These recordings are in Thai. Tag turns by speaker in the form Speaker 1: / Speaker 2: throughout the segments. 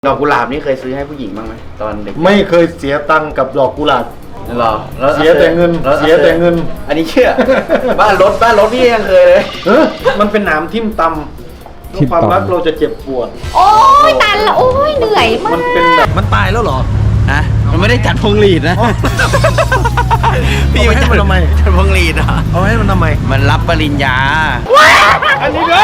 Speaker 1: ดอกกุหลาบนี่เคยซื้อให้ผู้หญิงบ้างไหมตอนเด็ก
Speaker 2: ไม่เคยเสียตังค์กับดอกกุหลาบ
Speaker 1: หรอ
Speaker 2: เสียแต่เงินเสียแต่เงิน
Speaker 1: อันนี้เชื่อ บ้านรถพี่ยังเคยเลย
Speaker 2: มันเป็นหนามทิ่มตำความรักเราจะเจ็บปวด
Speaker 3: โอ้ยตันละโอ้ยเหนื่อยมาก
Speaker 2: มันเป็นแบบมันตายแล้วเหรอ
Speaker 1: ฮะมันไม่ได้จัดพวงหลีดนะ
Speaker 2: พี่ให้มันทำไม
Speaker 1: จัดพวงหลีดอ่ะ
Speaker 2: เอาให้มันทำไม
Speaker 1: มันรับปริญญา
Speaker 2: อันนี้เลย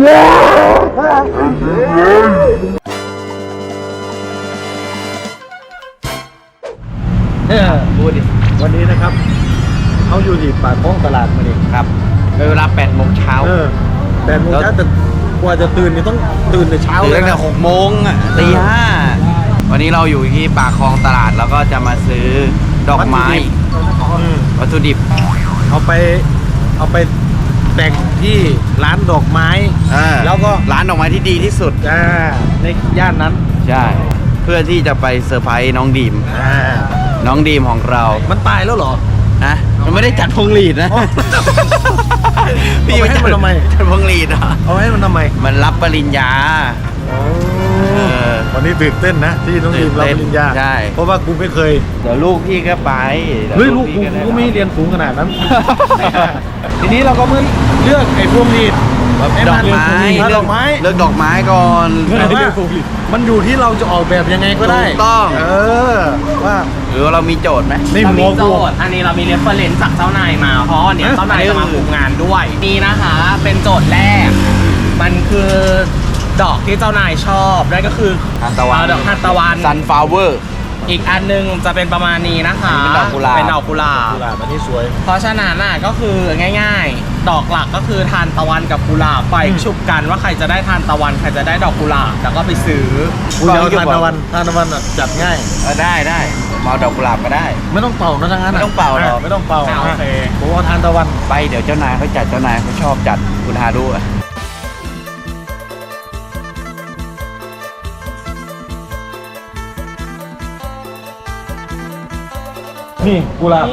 Speaker 1: พูดดิ
Speaker 2: วันนี้นะครับเขาอยู่ที่ปากคลองตลาดมาดิ
Speaker 1: ครับเวลา8 โมงเช้า
Speaker 2: 8 โมงเช้าแต่กว่าจะตื่นนี่ต้องตื่นแต่เช้า
Speaker 1: เลยตั้งแต่6 โมงตี 5วันนี้เราอยู่ที่ปากคลองตลาดแล้วก็จะมาซื้อดอกไม้วัตถุดิบ
Speaker 2: เอาไปแต่งที่ร้านดอกไม้
Speaker 1: แล้วก็ร้านดอกไม้ที่ดีที่สุด
Speaker 2: ในย่านนั้น
Speaker 1: ใช่เพื่อที่จะไปเซอร์ไพรส์น้องดีมน้องดีมของเรา
Speaker 2: มันตายแล้วเหรอ
Speaker 1: นะมันไม่ได้จัดพวงหลีดนะ
Speaker 2: พี่ให้มันทำไม
Speaker 1: จัดพวงหลีดอ่ะ
Speaker 2: เอาให้มันทำไม
Speaker 1: มันรับปริญญา
Speaker 2: วันนี้ตื่นเต้นนะที่น้องดีมรับปริญญา
Speaker 1: ใช่
Speaker 2: เพราะว่ากูไม่เคย
Speaker 1: เดี๋ยวลูกพี่ก็ไป
Speaker 2: เฮ้ยลูกกูไม่เรียนสูงขนาดนั้นทีนี้เราก็มึงเลือกไอ้พวงหลีด
Speaker 1: ดอกไม้เลือกดอกไม้ก่อน
Speaker 2: แต่ว่ามันอยู่ที่เราจะออกแบบยังไงก็ได้
Speaker 1: ต้อง
Speaker 2: ว่า
Speaker 1: หรือเรามีโจทย์ไหม
Speaker 4: เรามีโจทย์อันนี้เรามีเรฟเฟอเรนซ์จากเจ้านายมาเพราะเนี่ยเจ้านายจะมาคุมงานด้วยนี่นะคะเป็นโจทย์แรกมันคือดอกที่เจ้านายชอบนั่นก็คือ
Speaker 1: ทานตะวัน
Speaker 4: ดอกทานตะวัน
Speaker 1: ซันฟลาวเวอร์
Speaker 4: อีกอันนึงจะเป็นประมาณนี้นะคะ
Speaker 1: เป็นดอกกุหลาบ
Speaker 2: อันนี้สวย
Speaker 4: เพราะฉะนั้นก็คือง่ายๆดอกหลักก็คือทานตะวันกับกุหลาบไปชุบกันว่าใครจะได้ทานตะวันใครจะได้ดอกกุหลาบแล้วก็ไปซื้อ
Speaker 2: ทานตะวันจัดง่าย
Speaker 1: ได้มาดอกกุหลาบก็ได้
Speaker 2: ไม่ต้องเป่านะทั้งนั้น
Speaker 1: ไม่ต้องเป่าหรอก
Speaker 2: ไม่ต้องเป่า
Speaker 4: โอเค
Speaker 2: ผมว่าทานตะวัน
Speaker 1: ไปเดี๋ยวเจ้านายเขาจัดเจ้านายเขาชอบจัดคุณหาดู
Speaker 2: นี่กุหลาบ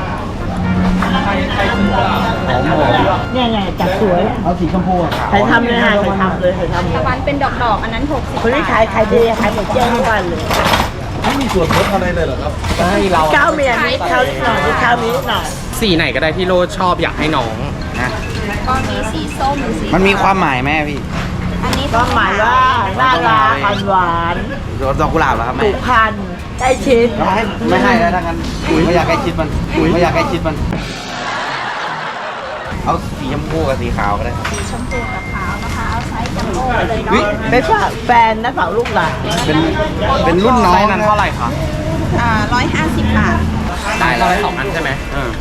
Speaker 3: เนี่ยไงจัดสวย
Speaker 2: เอาสีชมพู
Speaker 3: ใครทำเลยค่ะใครทำเลยตะวันเป็นดอกอันนั้น60คนที่ขายดีขายหมดเจ้าทุกวันเลย
Speaker 2: ไม่มีส่วนลดอะไรเลยเหรอครับ
Speaker 4: ให้เรา
Speaker 3: ข้าวเมียนิดข้าวนิดหน่อยข้าวนิดหน่อย
Speaker 4: สีไหนก็ได้ที่โรดชอบอยากให้น้อง
Speaker 1: นะ
Speaker 3: ก็มีสีส้มสี
Speaker 1: มันมีความหมายแม่พี่
Speaker 3: อันนี้ความหมายว่าน่ารักหวาน
Speaker 1: ดอกกุหลาบเหรอครับแม่
Speaker 3: ผูกพันใกล้ชิด
Speaker 1: ไม่ให้แล้วถ้างั้นไม่อยากใกล้ชิดมันไม่อยากใกล้ชิดมันเอาสีชมพูกับสีขาวก็ได้
Speaker 3: สีชมพูกับขาวนะคะเอาไซส์จัมโบ้เลยเนาะเป็นแฟนนะฝากลูกหลาน
Speaker 1: เป็นรุ่นน้อง
Speaker 4: นั้นเท่าไหร่คะ
Speaker 3: 150 บาท
Speaker 4: ได้แล้ว2 อันใช่ไหม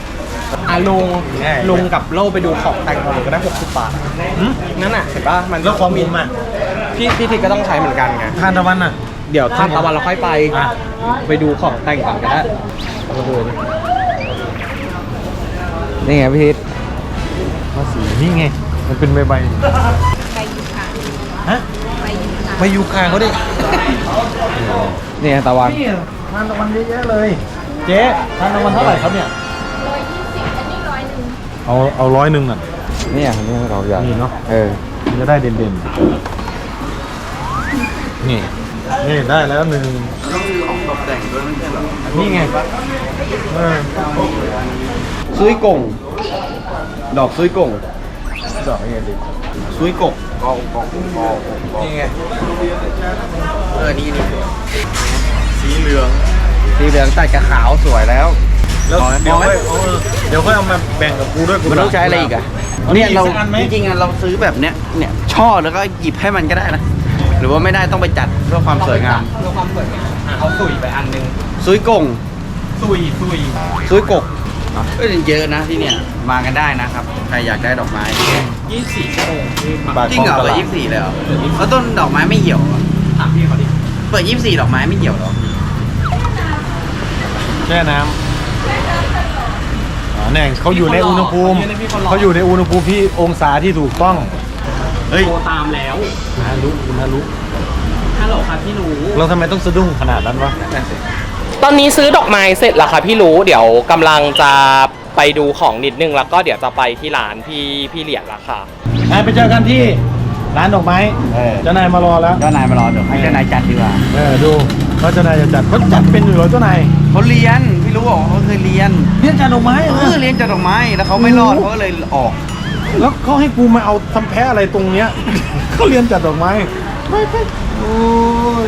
Speaker 4: ลุงกับโล่ไปดูของแต่งของก็ได้60 บาทนั่นน่ะเห็นป่ะมัน
Speaker 2: แล้วของมินมา
Speaker 4: พี่ทิศก็ต้องใช้เหมือนกันไง
Speaker 2: ทานตะวันน่ะ
Speaker 4: เดี๋ยวทานตะวันเราค่อยไปดูของแต่งกันก็ได้
Speaker 1: นี่ไงพี่ทิศ
Speaker 2: ภาษีนี่ไงมันเป็นใบ
Speaker 3: ใบยูคา
Speaker 2: ฮะใบยูคาเขาดิ
Speaker 1: นี่ตะวัน
Speaker 2: ทานตะวันเยอะแยะเลยเจ๊ทานตะวันเท่าไหร่ครับเนี่ย
Speaker 3: 120อันนี้100
Speaker 2: เอา100น่ะ
Speaker 1: นี่เราอยาก
Speaker 2: นี่เนาะจะได้เด่นนี่ได้แล้ว1
Speaker 1: ต้องมีของตกแต่งด้วยไม่ใช่หรอ
Speaker 2: นี่ไง
Speaker 1: ซุยกงดอกซุยกง
Speaker 2: ดอกยังไงดิ
Speaker 1: ซุยกกนี่ไงนี่สีเหลืองตัดกับขาวสวยแล้ว
Speaker 2: เดี๋ยวค่อยเอามาแบ่งกับกูด้วย
Speaker 1: มันต้องใช้อะไรอีกอะเนี่ยเราจริงๆเราซื้อแบบเนี้ยช่อแล้วก็หยิบให้มันก็ได้นะหรือว่าไม่ได้ต้องไปจัดเพื่อความสวยงาม
Speaker 4: เอาสุยไปอันนึง
Speaker 1: ซุยกงซุยกกก็เยอะนะที่เนี่ยมากันได้นะครับใครอยากได้ดอกไม้
Speaker 4: 24 ชั่วโมง
Speaker 1: จริงเหรอเปิด24เลยเหรอแล้วต้นดอกไม้ไม่เหี่ยว
Speaker 4: ถามพี่เขาดิ
Speaker 1: เปิด24ดอกไม้ไม่เหี่ยวหรอ
Speaker 2: แช่น้ำเนี่ยเขาอยู่ในอุณหภูมิที่องศาที่ถูกต้อง
Speaker 4: โทรตามแล้ว
Speaker 2: น่ารู้
Speaker 4: ฮัลโหลค่ะพี่รู้
Speaker 2: เราทำไมต้องสะดุ้งขนาดนั้นวะ
Speaker 4: ตอนนี้ซื้อดอกไม้เสร็จแล้วค่ะพี่รู้เดี๋ยวกำลังจะไปดูของนิดนึงแล้วก็เดี๋ยวจะไปที่ร้านพี่เหรียญละค่ะ
Speaker 2: ไปเจอกันที่ร้านดอกไม้
Speaker 1: เออ
Speaker 2: เจ้านายมารอแล้ว
Speaker 1: เจ้านายมารอเดี๋ยวให้เจ้านายจัดดีกว่า
Speaker 2: ดูว่าเจ้านายจะจัดเขาจัดเป็นอยู่เหรอเจ้านาย
Speaker 1: เขาเรียนพี่รู้บอกเขาเคยเรียน
Speaker 2: เรียนจัดดอกไม้เหรอ
Speaker 1: เรียนจัดดอกไม้แล้วเขาไม่รอดเขาก็เลยออก
Speaker 2: แล้วเขาให้กูมาเอาทำแพ้อะไรตรงเนี้ย เขาเรียนจัดดอกไม้ไปโอ้ย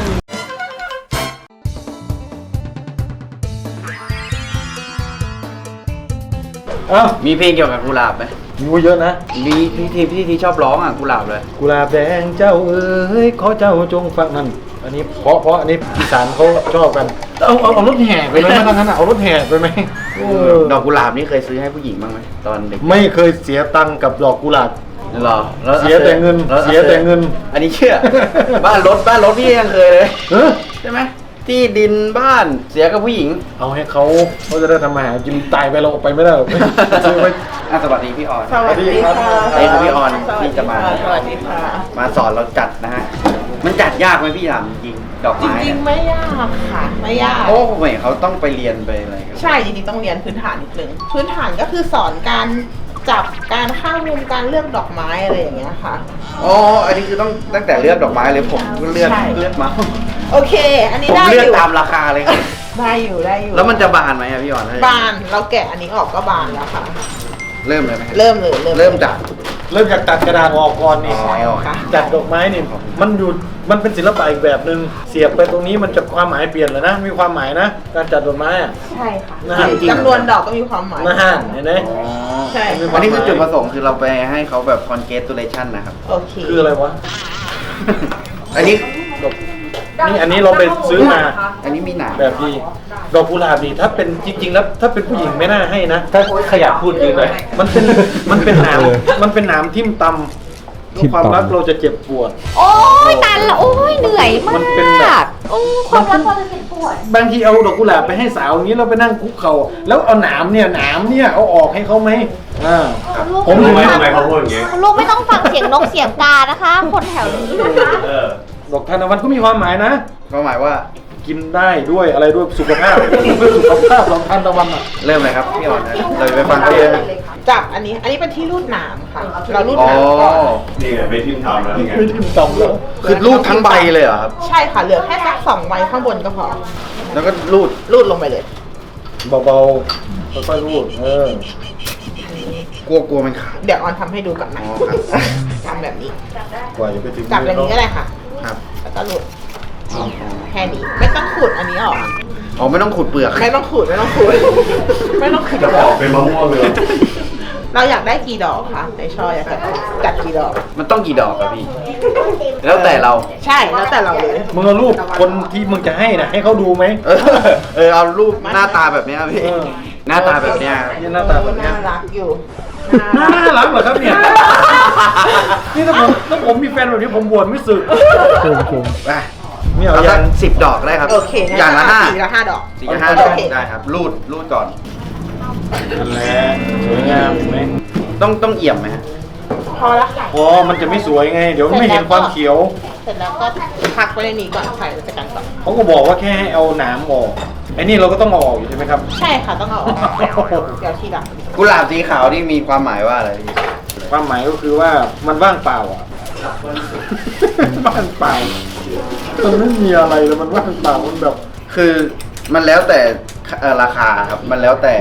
Speaker 2: เอ้า
Speaker 1: มีเพลงเกี่ยวกับกุหลาบไหม
Speaker 2: มีเยอะนะ
Speaker 1: มีพี่ชอบร้องอ่ะกุหลาบเลย
Speaker 2: กุหลาบแดงเจ้าเอ้ยขอเจ้าจงฟังนั่นอันนี้เพราะอันนี้อีสานเขาชอบกัน เอารถแห่ไปไหมไม่ทั้งนั้นเอารถแห่ไปไหม
Speaker 1: ดอกกุหลาบนี่เคยซื้อให้ผู้หญิงบ้างไหมตอนเด็ก
Speaker 2: ไม่เคยเสียตังค์กับดอกกุหลาบ
Speaker 1: หรอแล้ว
Speaker 2: เสียแต่เงิน
Speaker 1: แล้ว
Speaker 2: เสียแต่เงิน
Speaker 1: อันนี้เชื่อ บ้านรถพี่ยังเคยเลย
Speaker 2: เฮ้ย
Speaker 1: ใช่ไหมที่ดินบ้านเสียกับผู้หญิง
Speaker 2: เอาให้เขาจะได้ทำมาหากินตายไปเราออกไปไม่ได้หรอกซื้อไว้
Speaker 1: สวัสดีพี่ออน
Speaker 3: สวัสดีค่ะ
Speaker 1: นี่คือพี่ออนที่จะมา
Speaker 3: สวัสดีค่ะ
Speaker 1: มาสอนเราจัดนะฮะมันจัดยากไหมพี่ถามจริงๆดอก
Speaker 3: จ
Speaker 1: ไม้
Speaker 3: ริงๆไม่ยากค่ะ ไม่ยาก
Speaker 1: โอ้ผมเห็นเขาต้องไปเรียนไปอะไรกัน
Speaker 3: ใช่จริงๆต้องเรียนพื้นฐานนิดนึงพื้นฐานก็คือสอนการจับการเข้ามุมการเลือกดอกไม้อะไรอย่างเงี้ยค่ะ
Speaker 1: อ๋ออันนี้คือต้องตั้งแต่เลือกดอกไม้เลยผมก็เลือก
Speaker 3: ใช่
Speaker 1: มา
Speaker 3: โอเค อันนี้
Speaker 1: ผม
Speaker 3: ได้อ
Speaker 1: เลือก
Speaker 3: ยู่
Speaker 1: ตามราคาเลยครับ
Speaker 3: ได้อยู่ได้อยู่
Speaker 1: แล้วมันจะบานไหมอะพี่ออน
Speaker 3: บานเราแกะอันนี้ออกก็บานแล้วค่ะ
Speaker 1: เริ่มเลยไหม
Speaker 3: เริ่มเลย
Speaker 1: เริ่มจาก
Speaker 2: เริ่มจากตัดกระดาษออกก่อนนี่
Speaker 1: อ๋อ
Speaker 3: ค่ะ
Speaker 2: จัดดอกไม้นี่มันเป็นศิลปะอีกแบบหนึ่งเสียบไปตรงนี้มันจะความหมายเปลี่ยนเลยนะมีความหมายนะการจัดดอกไม้อะ
Speaker 3: ใช่ค่ะ
Speaker 2: นะฮะ
Speaker 3: จำนวนดอกก็มีความหมาย
Speaker 2: นะฮะเห็นไหม
Speaker 1: อ๋อ
Speaker 3: ใช่
Speaker 1: อันนี้คือจุดประสงค์คือเราไปให้เขาแบบ congratulation นะครับ
Speaker 3: โอเค
Speaker 2: คืออะไรวะ
Speaker 1: อันนี้
Speaker 2: นี่อันนี้เราไปซื้อมา
Speaker 1: อันนี้มีหนาม
Speaker 2: แบบดีดอกกุหลาบดีถ้าเป็นจริง ๆ แล้วถ้าเป็นผู้หญิงไม่น่าให้นะถ้าขยับพูดยืนเลยมันเป็นหนามมันเป็นหนามทิ่มตำความรักเราจะเจ็บปวด
Speaker 5: โอ้ยตันละโอ้ยเหนื่อยมาก
Speaker 2: มันเป็นแบบ
Speaker 5: โอ้ความรักเราจะเจ็บปวด
Speaker 2: บางทีเอาดอกกุหลาบไปให้สาวอย่างนี้เราไปนั่งคุกเข่าแล้วเอาหนามเนี่ยเอาออกให้เขาไหมผม
Speaker 5: รู้
Speaker 2: ถึง
Speaker 5: ไหม
Speaker 2: ไม่
Speaker 5: ทำไมเขาพูดอย่างงี้ลูกไม่ต้องฟังเสียงนกเสียงกานะคะ คนแถวนี้นะคะ
Speaker 2: ดอกทานตะวันก็มีความหมายนะ
Speaker 1: ก็หมายว่า
Speaker 2: กินได้ด้วยอะไรด้วยสุขภาพเพื่อสุขภาพดอกทานตะวันอ่ะ
Speaker 1: เริ่มเลยครับพี่ออนนะเราจะไปฟังเขาเลยนะ
Speaker 3: จับอันนี้เป็นที่รูดหนามค่ะ เรารูด
Speaker 1: อ๋อ
Speaker 3: หนามก่อน
Speaker 6: นี่ไงไม่ทิมทำแล้วนี่ไง
Speaker 2: ไม่ทิ่มตำแล้ว
Speaker 1: คือรูดทั้งใบเลยเหรอครับ
Speaker 3: ใช่ค่ะ เหลือแค่สัก2ใบข้างบนก็พอ
Speaker 1: แล้วก็รูด
Speaker 3: รูดลงไปเลย
Speaker 2: เบาๆค่อยๆรูด
Speaker 1: กลัวมันขาด
Speaker 3: เดี๋ยวออนทำให้ดูก่อนนะ
Speaker 1: อ๋อครับ
Speaker 3: ทำแบบนี้
Speaker 2: กว่าจะไปถึง
Speaker 3: จับแบบนี้ก็ได้ค่ะ
Speaker 1: ครับ
Speaker 3: แล้วก็รูดแค่นี้ ไม่ต้องขูดอันนี้ออก
Speaker 1: อ๋อไม่ต้องขุดเปลือก
Speaker 3: ไม่ต้องขูด ไม่ต้องขูด ไม่ต้องขูด
Speaker 6: จะออกเป็นมะม่วงเลย
Speaker 3: เราอยากได้กี่ดอกคะในช่ออยากจัดกี่ดอก
Speaker 1: มันต้องกี่ดอกครับพี่ แล้วแต่เรา
Speaker 3: ใช่ แล้วแต่เราเลย
Speaker 2: มึงเอารูปคนที่มึงจะให้นะให้เขาดูไหม
Speaker 1: เอารูปหน้าตาแบบเนี้ยพี่ หน้าตาแบบเนี้ย
Speaker 2: นี่หน้าตาแบบเนี้ย
Speaker 3: น่ารักอยู่
Speaker 2: น่ารักเหรอครับเนี่ย นี่ถ้าผมมีแฟนแบบนี้ผมบวชไม่สึก
Speaker 1: ไป
Speaker 2: ไม่เอา
Speaker 1: เอา
Speaker 2: ยั
Speaker 1: สั
Speaker 2: ง
Speaker 1: ก10 ดอกได้ครับ
Speaker 3: โอเคงั้น
Speaker 1: อย่างละ
Speaker 3: เ
Speaker 1: ห้า
Speaker 3: สี่ละห้าดอก
Speaker 1: สี่ละห้าด
Speaker 3: โอ
Speaker 1: อก
Speaker 3: เค
Speaker 1: ได้ครับ รูดก่อน
Speaker 2: นั่นแหละสวยงามเห็นไหม
Speaker 1: ต้องเอี่ยมไหมฮะ
Speaker 3: พอละค่ะ
Speaker 2: อ๋อมันจะไม่สวยไง เดี๋ยวไม่เห็นความเขียว
Speaker 3: เสร็จแล้วก็พักไว้ในนี้ก่อนใส่จัดการก่อน
Speaker 2: เขาก็บอกว่าแค่ให้เอาหนามออกไอ้นี่เราก็ต้องเอาออกอยู่ใช่ไหมครับ
Speaker 3: ใช่ค่ะต้องเอาออกเดี๋ยวทีหลัง
Speaker 1: กุหลาบสีขาวนี่มีความหมายว่าอะไรพี่
Speaker 2: ความหมายก็คือว่ามันว่างเปล่าอ่ะ ว่างเปล่า มันไม่มีอะไรเลยมันว่างเปล่ามันแบบ
Speaker 1: คือมันแล้วแต่ราคาครับ มันแล้วแต่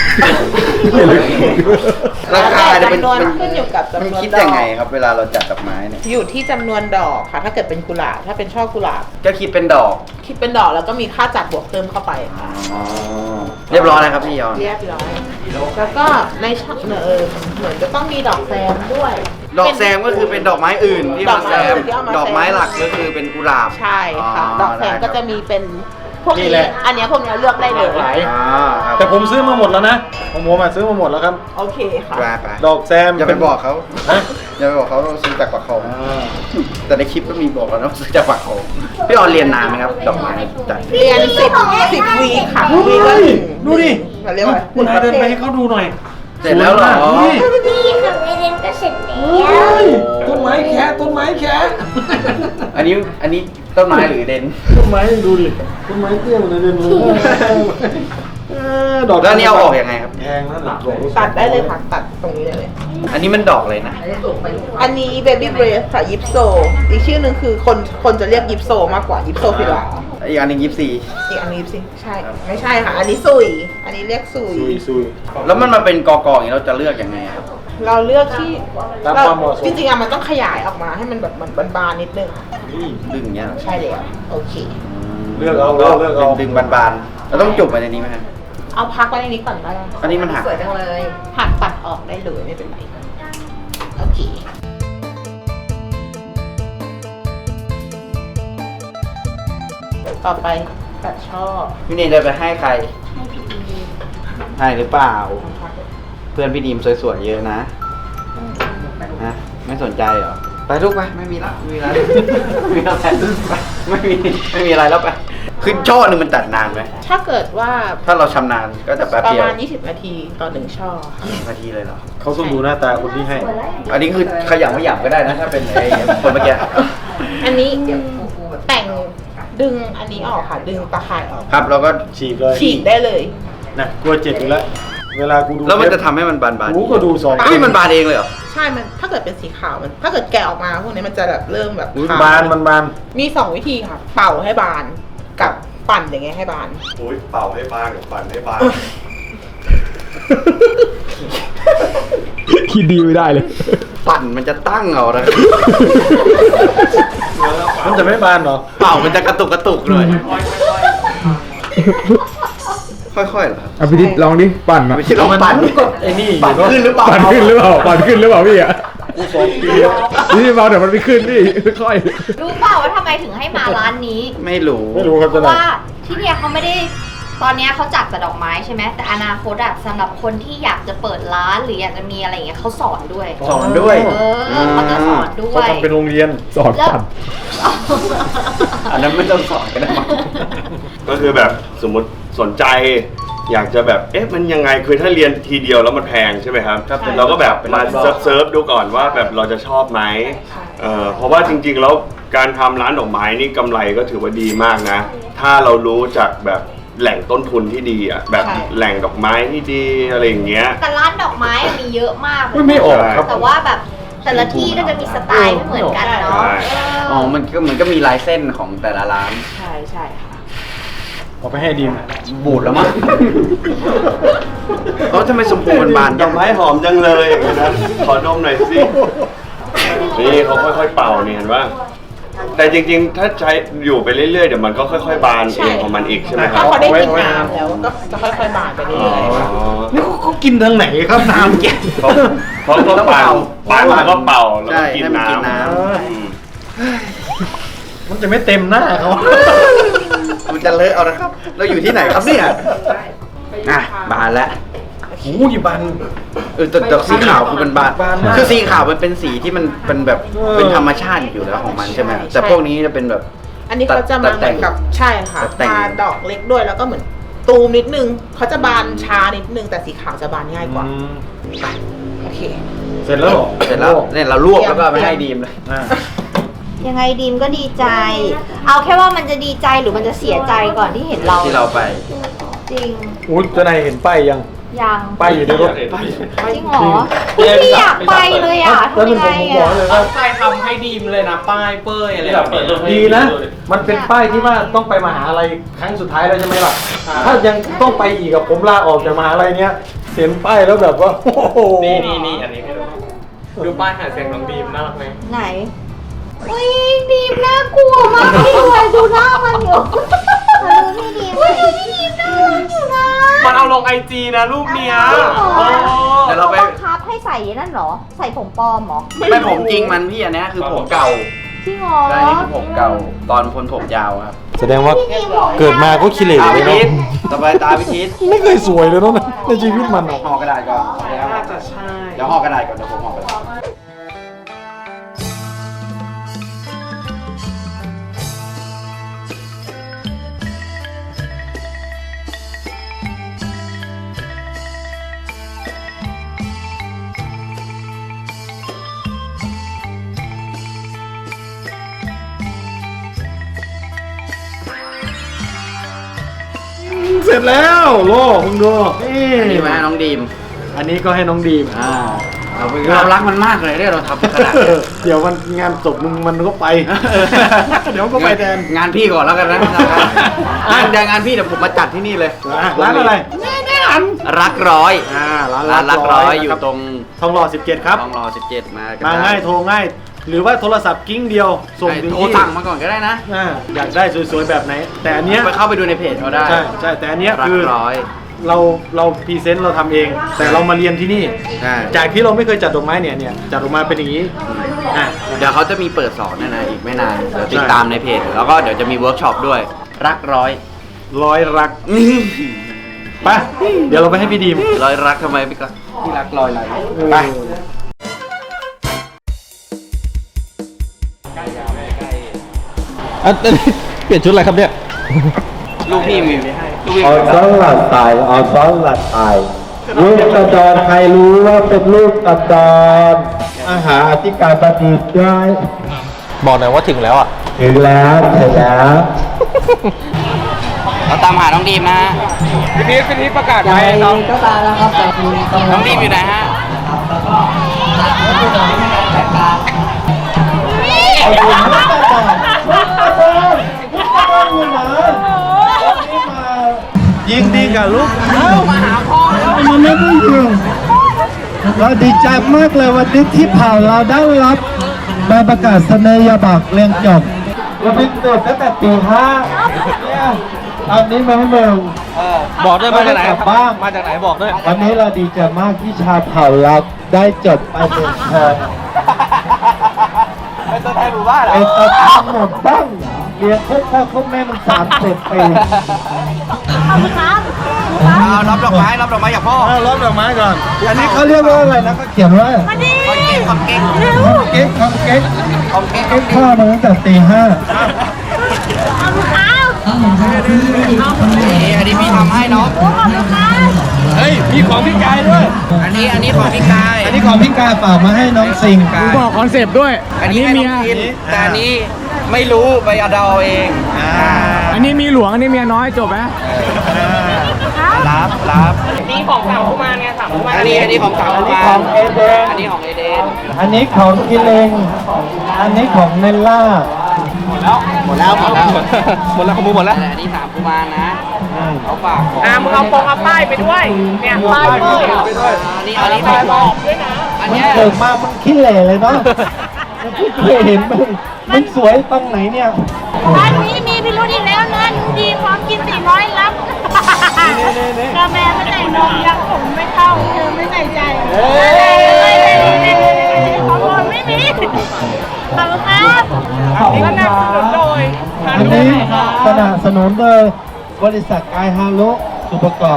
Speaker 1: ราคาเนี่ย
Speaker 3: จำนวนขึ้นอยู่กับ
Speaker 1: มัน
Speaker 3: จำนวน
Speaker 1: คิด
Speaker 3: ด
Speaker 1: ยัง
Speaker 3: อ
Speaker 1: ไง
Speaker 3: ก
Speaker 1: ครับ เวลาเราจัดดอกไม้เนี่ย
Speaker 3: อยู่ที่จำนวนดอกค่ะ ถ้าเกิดเป็นกุหลาบถ้าเป็นช่อกุหลาบ
Speaker 1: ก็คิดเป็นดอก
Speaker 3: คิดเป็นดอกแล้วก็มีค่าจัดบวกเพิ่มเข้าไปค่ะ
Speaker 1: อ๋อ เรียบร้อยแล้วครับพี่ยอน
Speaker 3: เรียบร้อยแล้วก็ในช่อเหมือนจะต้องมีดอกแซมด้วย
Speaker 1: ดอกแซมก็คือเป็นดอกไม้อื่นที่
Speaker 3: ดอ
Speaker 1: มาก
Speaker 3: ไม้
Speaker 1: แซม
Speaker 3: ที่เอามาแซม
Speaker 1: ดอกไม้หลักก็คือเป็นกุหลาบ
Speaker 3: ใช่ค่ะ ดอกแซมก็จะมีเป็นพวก
Speaker 2: นี่
Speaker 3: นี้
Speaker 2: แหละ
Speaker 3: อันเนี้ยพวกเนี้ยเลือกได้เลย
Speaker 2: หลากหลาย
Speaker 1: อ่าครับ
Speaker 2: แต่ผมซื้อมาหมดแล้วนะผมซื้อมาหมดแล้วครับ
Speaker 3: โอเคค่ะ
Speaker 1: ไป
Speaker 2: ดอกแซม
Speaker 1: อย่าไปบอกเขา
Speaker 2: ฮะ
Speaker 1: อย่าไปบอกเขาเราซื้อจากปากคลอง
Speaker 2: อ่า
Speaker 1: แต่ในคลิปก็มีบอกแล้วนะว่าซื้อจากปากคลองพี่ออนเรียนนานไหมครับ ดอกไม้จัด
Speaker 3: เรียน10 วีคค่ะวีคละหนึ่ง
Speaker 2: ดูดิ
Speaker 3: เราเรียกว่า
Speaker 2: คุณนายเดินไปให้เขาดูหน่อย
Speaker 1: เสร็จแล้วเหรอ
Speaker 2: สวยมากดูดิ
Speaker 5: นี่ค่ะเรียนก็เสร็จแล้ว
Speaker 2: เฮ้ยต้นไม้แค่ต้นไม้แค่
Speaker 1: อันนี้ต้นไม้หรือเดน
Speaker 2: ต้นไม้ดูดิต้นไม้เตี้ยเหมือนเดิมเลยดอก
Speaker 1: แล้วอันนี้เอาออกยังไงครับ
Speaker 2: แพงนะหลักดอก
Speaker 3: ตัดได้เลยค่ะตัดตรงนี้ได้เลย
Speaker 1: อันนี้มันดอกเลยนะ
Speaker 3: อันนี้เบบี้เบรสค่ะยิปโซอีกชื่อหนึ่งคือคนจะเรียกยิปโซมากกว่ายิปโซฟิลา
Speaker 1: อีกอันหนึง24
Speaker 3: อีกอันนี้ยิปซีใช่ไม่ใช่ค่ะ อันนี้ซุยอันนี้เรียกซุย
Speaker 2: ซุย
Speaker 1: แล้วมันมาเป็นกออย่างนี้เราจะเลือกยังไงครับ
Speaker 3: เราเลือกที่
Speaker 2: ตามความเหมาะสม
Speaker 3: จริงๆอะมันต้องขยายออกมาให้มันแบบเหมือนบานๆนิดนึงค่ะ
Speaker 2: นี่
Speaker 1: ดึงอย่างเงี้ยเหรอ
Speaker 3: ใช่แล้วโอเค
Speaker 2: เลือกเอา
Speaker 1: ก็
Speaker 2: เลือกเอา
Speaker 1: ดึงบานๆเราต้องจุ่มไปในนี้ไหมฮะ
Speaker 3: เอาพักไว้ในนี้ก่อนก็ได้
Speaker 1: อันนี้มันหัก
Speaker 3: สวยจังเลยหักปัดออกได้เลยไม่เป็นไรโอเคต่อไปตัดช่อ
Speaker 1: พี่เนยจะไปให้ใคร ให้หรือเปล่า เพื่อนพี่ดีมสวยๆเยอะนะฮะไม่สนใจเหรอ ไปลูกไป ไม่มีละไม่มีอะไรไม่มีอะไรไปไม่มีอะไรแล้วไปคือช่อหนึงมันตัดนานไหม
Speaker 3: ถ้าเกิดว่า
Speaker 1: ถ้าเราชำนาญก็จะแป๊บ
Speaker 3: ประ
Speaker 1: เดียว
Speaker 3: มาณ20 นาทีต่อหนึ่งช่อค่ะ
Speaker 1: นาทีเลยเหรอ
Speaker 2: เขาต้องดูหน้าตาคนที่ให้
Speaker 1: อันนี้คือขยำไม่หยำก็ได้นะ ถ้าเป็นไอ้คนเมื่อกี้
Speaker 3: อันนี้แต่งดึงอันนี้ออกค่ะ ดึงตะข่ายออก
Speaker 1: ครับเราก็
Speaker 2: ฉีกเลย
Speaker 3: ฉีกได้เลย
Speaker 2: นะกลัวเจ็บอีกแล้ว เวลากูดู
Speaker 1: แล้วมันจะทำให้มันบานๆ
Speaker 2: กูก็ดูสอง
Speaker 1: เฮ้ยมันบานเองเลยเหรอ
Speaker 3: ใช่มันถ้าเกิดเป็นสีขาวมัน ถ้าเกิดแกะออกมาพวกนี้มันจะแบบเริ่มแบบ
Speaker 2: อุ๊ย
Speaker 3: ขาว
Speaker 2: บานมันบาน
Speaker 3: มี2 วิธีค่ะ เป่าให้บานกับปั่นอย่างเงี้ยให้บาน
Speaker 6: โอ้ยเป่าให้บานกับปั่นให้บาน
Speaker 7: คิดดีไม่ได้เลย
Speaker 1: ปั่นมันจะตั้งเอานะ
Speaker 2: มันจะไม่บานเหรอ
Speaker 1: เป่ามันจะกระตุกหน่อยค่อยๆเหรอครับ
Speaker 7: เอาพี่ทิศลองดิ ปั่นอะ
Speaker 1: ไม่ใช่ลองปั่น
Speaker 2: มันก็ไอ้นี่อยู่
Speaker 1: ปั่น
Speaker 2: เนอะ
Speaker 1: ขึ้นหรือเปล่า
Speaker 7: ปั่นขึ้นหรือเปล่า ปั่นขึ้นหรือเปล่าพี่อะ
Speaker 2: กู2 ปีแล้ว
Speaker 7: นี่เบาเดี๋ยวมันไม่ขึ้นพี่ค่อย
Speaker 5: รู้เปล่าว่าทำไมถึงให้มาร้านนี้
Speaker 1: ไม่รู้
Speaker 2: ไม่รู้ครับ
Speaker 5: เพ
Speaker 2: จะ
Speaker 5: ราะ
Speaker 2: ไหน
Speaker 5: ว่าที่เนี่ยเขาไม่ได้ตอนเนี้ยเขาจัดแต่ดอกไม้ใช่ไหมแต่อนาคตอะสำหรับคนที่อยากจะเปิดร้านหรืออยากจะมีอะไรอย่างเงี้ยเขาสอนด้วย
Speaker 1: สอนด้วย
Speaker 5: เออเขาจะสอนด้ว
Speaker 2: เขา
Speaker 5: ย
Speaker 2: ทำเป็นโรงเรียน
Speaker 7: ๆ สอนปั่น
Speaker 1: อันนั้นไม่ต้องสอนก็ได้มั้ง
Speaker 6: ก็คือแบบสมมติสนใจ อยากจะแบบเอ๊ะมันยังไงคือถ้าเรียนทีเดียวแล้วมันแพงใช่ไหมครับ
Speaker 1: ครับ
Speaker 6: เราก็แบบมาเซิร์ฟดูก่อนว่าแบบเราจะชอบไหมเพราะว่าจริงๆแล้วการทำร้านดอกไม้นี่กำไรก็ถือว่าดีมากนะ ถ้าเรารู้จากแบบแหล่งต้นทุนที่ดีอ่ะแบบ
Speaker 3: ใช่
Speaker 6: แหล่งดอกไม้ที่ดีอะไรอย่างเงี้ย
Speaker 5: แต่ร้านดอกไม้อะมีเยอะมากเลย
Speaker 2: ไม่ออกครับ
Speaker 5: แต่ว่าแบบแต่ละที่ก็จะมีสไตล์ไม่เหมือนกันเนาะ
Speaker 6: ใช่
Speaker 1: อ๋อ มันก็เหมือนก็มีลายเส้นของแต่ละร้าน
Speaker 3: ใช่ใช่ค่ะ
Speaker 2: เอาไปให้ดิม
Speaker 1: บูดแล้วมั้งเออทำไมสมพูมันบาน
Speaker 6: ด
Speaker 1: จั
Speaker 6: อง กไม้หอมจังเลยอย่างนั้น ขอดมหน่อยสิ นี่เขาค่อยๆเป่านี่เห็นว่าแต่จริงๆ ถ้าใช้อยู่ไปเรื่อยๆ เดี๋ยวมันก็ค่อยๆ บานเองของมันอีกใช่ไหมค
Speaker 3: ถ้า
Speaker 6: รับ
Speaker 3: เขาได้กินน้ำแล้วก็จะค่อยๆบานไปเรื่อยๆค่ะ
Speaker 2: นี่เขากินทางไหนครับน้ำแก
Speaker 6: เขาก็เป่าแล้วก็เป่าแล้ว
Speaker 1: ใช่
Speaker 6: ก็กิน
Speaker 1: ให้มันกิน
Speaker 6: น้ำ
Speaker 1: น้
Speaker 6: อืม
Speaker 2: มันจะไม่เต็มหน้าเขา
Speaker 1: ำมันจะเลอะเอานะครับ เราอยู่ที่ไหนครับเนี่ยอ่ะบานแล้ว
Speaker 2: โอ้ยบาน
Speaker 1: แต่สีขาวคือมันบาน
Speaker 2: บานมาก
Speaker 1: คือสีขาวมันเป็นสีที่มันเป็นแบบ เป็นธรรมชาติอยู่แล้วของมันใช่ไหมแต่พวกนี้จะเป็นแบบ
Speaker 3: อันนี้เขาจะมาเหมือนกับใช่ค่ะ
Speaker 1: ตัดแต่ง
Speaker 3: บานดอกเล็กด้วยแล้วก็เหมือนตูมนิดนึงเขาจะบานช้านิดนึงแต่สีขาวจะบานง่ายกว่าไปโอเค
Speaker 2: เสร็จแล้วเหรอ
Speaker 1: เสร็จแล้วเนี่ยเราลวกแล้วก็เอาไปให้ดีมเลย
Speaker 2: อ่า
Speaker 5: ยังไงดีมก็ดีใจ เอาแค่ว่ามันจะดีใจหรือมันจะเสียใจก่อนที่เห็นเรา
Speaker 1: ที่เราไป
Speaker 5: จริง
Speaker 2: อุ้ยเจ้านายเห็นป้ายยัง
Speaker 5: ยัง
Speaker 2: ป้ายอยู่ในรถ
Speaker 5: จริงเหรอพี่อยากไปเลยอ่ะ
Speaker 2: แล้ว
Speaker 5: ทำ
Speaker 2: เป็น
Speaker 5: ยังไง
Speaker 2: ผมบอก
Speaker 5: อ่ะ
Speaker 2: เลย
Speaker 4: ตั้
Speaker 2: ว่า
Speaker 4: งใจทำให้ดีมเลยนะป้ายเป้ยอะไรแบบเนี้ย
Speaker 2: ดีนะ มันเป็นป้ายที่ว่าต้องไปมหาลัยครั้งสุดท้ายแล้วใช่ไหมล่ะ ถ้ายังต้องไปอีกกับผมลาออกจากมหาลัยเนี้ยเห็นป้ายแล้วแบบว่าโอ้โห
Speaker 4: นี่อันนี้ให้ดูดูป้ายหาเสียงน้องดีมน่ารักไหม
Speaker 5: ไหนอุ้ยดีมน่ากลัวมากพี่ด้วยดูหน้ามันอยู่ดูพี่ดีมดูพี่ดีมน่ารักอยู่นะ
Speaker 4: มันเอาลงไอจีนะรูปเนี้ย
Speaker 1: เดี๋ยวเราไป
Speaker 5: บังคับให้ใส่นั่นเหรอ ใส่ผมปลอมเหรอ
Speaker 1: ไม่ผมจริงมันพี่อันเนี้ยคือผมเก่า
Speaker 5: จริงเหรอ
Speaker 1: ใช่นี่คือผมเก่า ตอนคนผมยาวครับ
Speaker 2: แสดงว่าเกิดมาก็ขี้เหร่
Speaker 1: ตา
Speaker 2: เล
Speaker 1: พิ
Speaker 2: ย
Speaker 1: ทิศ
Speaker 2: เนาะ
Speaker 1: ต่อไปตาพิทิศ
Speaker 2: ไม่เคยสวยเลยเนาะในชีวิตมันอะ
Speaker 1: ห่อกระดาษก่อน
Speaker 4: น่าจะใช่
Speaker 1: เดี๋ยวห่อกระดาษก่อนเดี๋ยวผมห่อกระดาษ
Speaker 2: เสร็จแล้วโล่มึงดูนี่
Speaker 1: อันนี้ไว้ให้น้องดีม
Speaker 2: อันนี้ก็ให้น้องดีม
Speaker 1: เรารักมันมากเลยเนี่ยเราทำขนาดนี้
Speaker 2: เดี๋ยวมันงานศพมึงมันก็ไป เดี๋ยวก็ไปแทน
Speaker 1: งานพี่ก่อนแล้วกันนะเดี๋ยวงานพี่เดี๋ยวผมมาจัดที่นี่เลย
Speaker 2: ร้านอะไร
Speaker 1: รักร้อย
Speaker 2: ร้าน
Speaker 1: ร้านรักร้อยอยู่
Speaker 2: นะคบ
Speaker 1: ตรง
Speaker 2: ทองหล่อ17ครับ
Speaker 1: ทองรอ17มากัน
Speaker 2: มาง่ายโทรง่าย หรือว่าโทรศัพท์กิ้งเดียวส่งถึง
Speaker 1: โทร
Speaker 2: ที่
Speaker 1: สั่งมาก่อนก็ได้นะ
Speaker 2: อยากได้สวยๆแบบไหน แต่อันเนี้ย
Speaker 1: ไปเข้าไปดูในเพจเขาได้
Speaker 2: ใช่แต่อันเนี้ย
Speaker 1: รั
Speaker 2: คื
Speaker 1: ก
Speaker 2: อ
Speaker 1: ร้อย
Speaker 2: เราพรีเซนต์เราทำเอง แต่เรามาเรียนที่นี่
Speaker 1: ใช่
Speaker 2: จากที่เราไม่เคยจัดดอกไม้เนี่ยจัดออกมาเป็นอย่างนี้อ่ะ
Speaker 1: เดี๋ยวเขาจะมีเปิดสอนด้วยนะอีกไม่นานเดี๋ยวติดตามในเพจแล้วก็เดี๋ยวจะมีเวิร์กช็อปด้วย รักร้อย
Speaker 2: ร้อยรักไปเดี๋ยวเราไปให้พี่ดีม
Speaker 1: ร้อยรักทำไมพี่ก็พี่รักร้อยอะไรไป
Speaker 7: เปลี่ยนชุดอะไรครับเนี่ย
Speaker 1: ลูกพี่มีลูกพี่
Speaker 8: เอาซ้อนหลัดตายเอาซ้อนหลัดตายลูกกระดอนใครรู้ว่าเป็นลูกกระดอนอาหารอธิการบดีได้
Speaker 7: บอกหน่อยว่าถึงแล้วอ่ะ
Speaker 8: ถึงแล้วถึงแล้ว
Speaker 1: เราตามหาน้องดีมนะฮะ
Speaker 4: พี่นี้ประกาศไปน้อง
Speaker 1: น้องดีมอยู่ไหนฮะ
Speaker 2: ยิงดีกับลูก
Speaker 8: มันไม่ได้ยิงเราดีใจมากเลยวันนี้ที่ผ่านเราได้รับใบประกาศนียบัตรเรียนจบเราเป็นเด็กตั้งแต่ปี5เนี่ยตอนนี้มาให้มึง
Speaker 7: บอกด้วยมาจากไหน
Speaker 8: กลับบ้าน
Speaker 7: มาจากไหนบอกด้วย
Speaker 8: วันนี้เราดีใจมากที่ชาวเผ่าเราได้จบไปหนึ่งคน
Speaker 1: เป็นตัวแทนหมู่บ้านเหรอ
Speaker 8: เป็นตัวแทนหมดบ้างเรียนพวกพ่อพวกแม่มัน30 ปี
Speaker 1: เอารับดอกไม้จากพ่อ
Speaker 2: รอบดอกไม้ก่อน
Speaker 8: อันนี้เขาเรียกว่าอะไรนะเขาเขียนว่า
Speaker 1: ของเก่ง
Speaker 8: เก๊กของเก๊ก
Speaker 1: ของเก่ง
Speaker 8: เก๊กข้าวมาตั้งแต่ตี 5
Speaker 1: อันนี้พี่ทำให้น้อง
Speaker 2: เฮ้ยมีของพี่กายด้วย
Speaker 1: อันนี้ของพี่กาย
Speaker 8: อันนี้ของพี่กายฝากมาให้น้องสิงห์
Speaker 7: บอกคอนเซปต์ด้วย
Speaker 1: อันนี้ให้น้องกินแต่อันนี้ไม่รู้ไปเอาเดาเอง
Speaker 7: อันนี้มีหลวง อันนี้เมียน้อยจบไหม
Speaker 1: รับ
Speaker 4: นี่ของสามกุมารไงสามกุมาร
Speaker 1: อันนี้ของสาว
Speaker 8: อันนี้
Speaker 1: มา
Speaker 8: ของเอเดน
Speaker 1: อันนี้ของเอเดน
Speaker 8: อันนี้ของกิเลงอันนี้ของเนลล่า
Speaker 1: หมดแล้ว
Speaker 7: หมดแล้วของมึงหมดแล้ว
Speaker 1: อันนี้สามกุมารนะเขาฝากของ
Speaker 4: มึงเอาเอาป้ายไปด้วย เนี่ยป้ายบอก
Speaker 1: อันนี้ไม่บอกด้วยนะอัน
Speaker 8: มัน
Speaker 1: เนี้ย
Speaker 8: เกิดมามันขี้เหร่เลยเนาะมันไม่เคยเห็นมันสวยตรงไหนเนี่ย
Speaker 5: ร้านนี้มีพิรุธอีกแล้วนะดีพร้อมกิน400รับกาแฟไม่ใส่นมยังผมไม่เข้าเธอไม่ใส่ใจของผมไม่มีขอบคุณครับ
Speaker 8: ขอบคุณครับอันนี้สนับสนุนโดยบริษัทกายฮารุสุประกอบ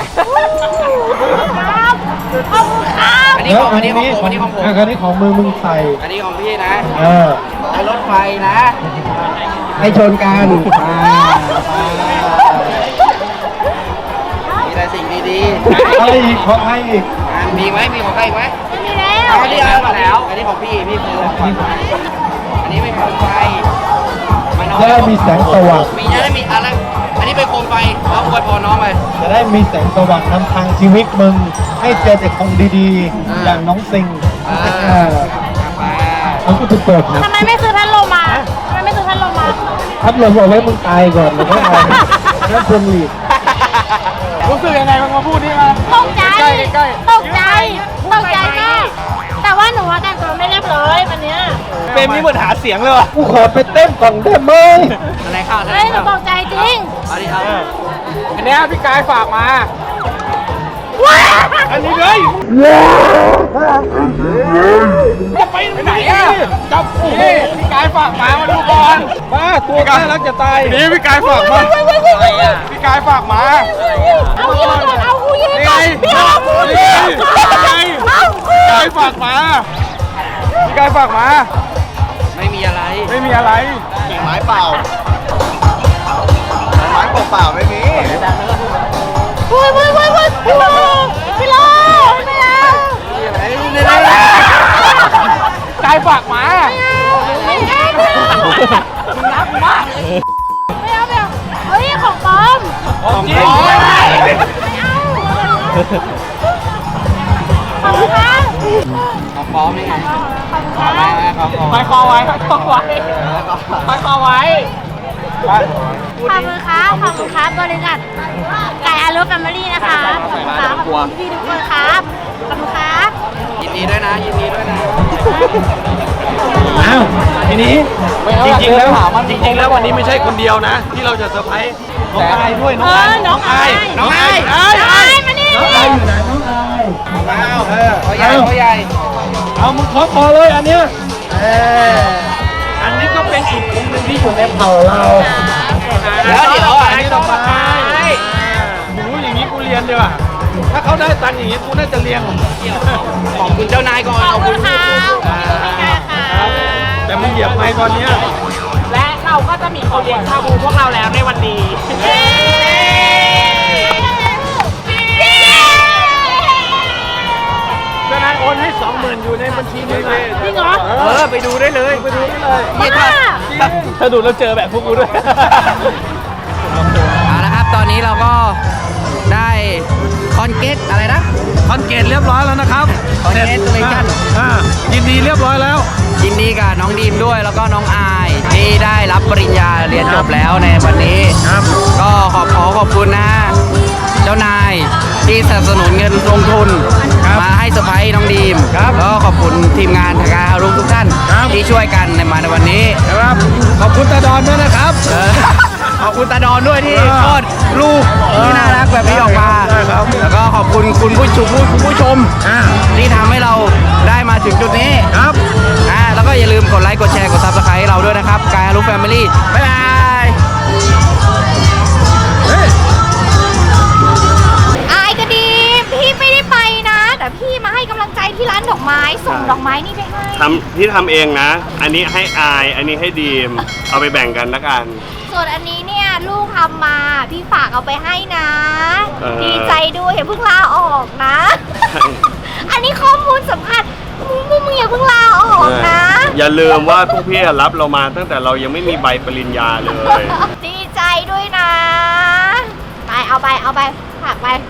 Speaker 5: ครับขอบคุณครับ
Speaker 1: อันนี้ของผมอันนี้ของผม
Speaker 8: อันนี้ของมึงใส่
Speaker 1: อันนี้ของพี่นะ
Speaker 8: อ
Speaker 1: ไอ้รถไฟนะให้ชนกันมีแต่สิ่งดี
Speaker 8: ใครอีกของใครอีก
Speaker 1: ๆมีไหมมีของใครอีกไหม
Speaker 5: ไม่มีแล้ว
Speaker 1: อันนี้เอามาแล้ว อันนี้ของพี่คืออันนี้เป็นโคมไฟ
Speaker 8: จะได้มีแสงสว่าง
Speaker 1: มีจะได้มีอะไรอันนี้เป็นโคมไฟแล้วอวยพรน้องไป
Speaker 8: จะได้มีแสงสว่างนำทางชีวิตมึง ให้เจอแต่ของดีๆ อย่างน้องซิงมันก็จะเปิดนะ
Speaker 5: ทำไมไม่ซื้อพัดลมมาทำไมไม่ซื้อพัดลมมา
Speaker 8: พัดลมเอาไว้มึงตายก่อนแล้วก็เอาแล้วพวงหลีด
Speaker 7: รู้สึกยังไงมึงมาพูดนี่มา
Speaker 5: ตกใจตกใจมากแต่ว่าหนูว่าแต่งตัวไม่เรียบร้อยวันเนี้ย
Speaker 7: เป็นนี่เหมือนหาเสียงเลยว่ะ
Speaker 8: กูขอไปเต้นก่อนได้ไหม
Speaker 1: อะไรข้าวอะไร
Speaker 5: เฮ้ยหนู
Speaker 1: ข้าว
Speaker 5: ตกใจจริง
Speaker 1: อันนี้เอา
Speaker 7: อันเนี้ยพี่กายฝากมา
Speaker 5: ว้า
Speaker 7: อันนี้เลยจะไปไหนอ่ะจับนี่พี่กายฝากมาดูก่อนมาตัวกายรักจะตายนี่พี่กายฝากมาพี่กายฝากมา
Speaker 5: เอายิงก่อนเอากูยิง
Speaker 7: นี่
Speaker 5: ก่
Speaker 7: ไง
Speaker 5: อนพี่เอากูยิงก่อน
Speaker 7: พี่กายฝากมาพี่กายฝากมา
Speaker 1: ไม่มีอะไร
Speaker 7: ไม่มีอะไร
Speaker 1: ไม้เปล่าไม้เปล่าไม่มี
Speaker 5: พี่โลพี่โลไม่เอา
Speaker 7: กายฝากมา
Speaker 5: ไม่เอารักมากเลยไม่เอาเฮ้ยของปลอม
Speaker 7: ของจริง
Speaker 5: ขอบคุณครับ
Speaker 1: เอาพร้อมไหมครับ
Speaker 5: ขอบคุณครับ
Speaker 4: ไปคอไว้ไปคอไว้ไปคอไว้
Speaker 5: ขอบคุณครับขอบคุณครับบริษัทไก่อารุแฟมิลี่นะคะขอบคุณครับขอบคุณพี่ทุกคนครับขอบคุณครับ
Speaker 1: ยินดีด้วยนะ ยินดีด้วยนะ
Speaker 2: อ้าวทีนี้จริงๆแล้ววันนี้ไม่ใช่คนเดียวนะ ที่เราจะเซอร์ไพรส์น้องอายด้วยน้องอาย
Speaker 5: น้องอาย
Speaker 2: น้องอาย
Speaker 5: น้องอายมานี่
Speaker 8: น้องอายอยู่ไหนน้องอาย
Speaker 1: ตัวใหญ่ตัวใหญ่
Speaker 2: เอามึงขอคอเลยอันเนี้ยอันนี้ก็เป็นอีกคนหนึ่งที่อยู่ในเผ่าเรา
Speaker 1: เดี๋ยวอันนี้ต้องมา
Speaker 2: หนูอย่างนี้กูเรียนดีกว่าถ้าเขาได้ตังค์อย่างนี้กูน่าจะเรียน
Speaker 1: ขอบคุณเจ้านายก่อน
Speaker 5: ขอบคุณครับขอบคุณค่ะ
Speaker 2: แต่มึงเหยียบไม้ตอนเนี้ย
Speaker 4: และเราก็จะมีคนเลี้ยงชาบูพวกเราแล้วในวันนี้
Speaker 5: เย้
Speaker 2: เจ้านายโอนให้ 20,000อยู่ในบัญชีมึงเลย
Speaker 5: จริงเหรอ
Speaker 2: ไปดูได้เลยไปดูได้เลย
Speaker 5: บ้า
Speaker 4: ถ้าดูแล้วเจอแบบพวกกูด้วย
Speaker 1: เอาละครับ ตอนนี้เราก็ได้คอนเกตอะไรนะ
Speaker 2: คอนเกตเรียบร้อยแล้วนะครับ
Speaker 1: Congratulations
Speaker 2: ยินดีเรียบร้อยแล้ว
Speaker 1: ยินดีกับน้องดีมด้วยแล้วก็น้องอายที่ได้รับปริญญาเรียนจบแล้วในวันนี้
Speaker 2: ครับ
Speaker 1: ก็ขอบคุณนะเจ้านายที่สนับสนุนเงินลงทุน มาให้เซอร์ไพรส์น้องดีมแล้วก็ขอบคุณทีมงานทางการฮารุทุกท่านที่ช่วยกันในวันนี้
Speaker 2: ครับขอบคุณตาดอนด้วยนะครับ
Speaker 1: ขอบคุณตาดอนด้วยที่คลอดลูกที่น่ารักแบบนี้ออกมา
Speaker 2: ใช่ครับ
Speaker 1: แล้วก็ขอบคุณคุณผู้ชมที่ทำให้เราได้มาถึงจุดนี้
Speaker 2: ครับ
Speaker 1: แล้วก็อย่าลืมกดไลค์กดแชร์กดซับสไครต์เราด้วยนะครับกายรู้แฟมิลี่บ๊ายบาย
Speaker 5: อายก็ดี พี่ไม่ได้ไปนะ แต่พี่มาให้กำลังใจที่ร้านดอกไม้ ส่งดอกไม้นี่ไปให้
Speaker 6: ที่ทำเองนะ อันนี้ให้อาย อันนี้ให้ดีม เอาไปแบ่งกันละกัน
Speaker 5: ส่วนอันนี้เนี่ยลูกทำมา พี่ฝากเอาไปให้นะ ดีใจด้วยอย่าเพิ่งลาออกนะ อันนี้ข้อมูลสำคัญมึงอย่าเพิ่งลาออกนะ
Speaker 6: อย่าลืมว่าพวกพี่รับเรามาตั้งแต่เรายังไม่มีใบปริญญาเลย
Speaker 5: ดีใจด้วยนะ ไปเอาไปฝากไป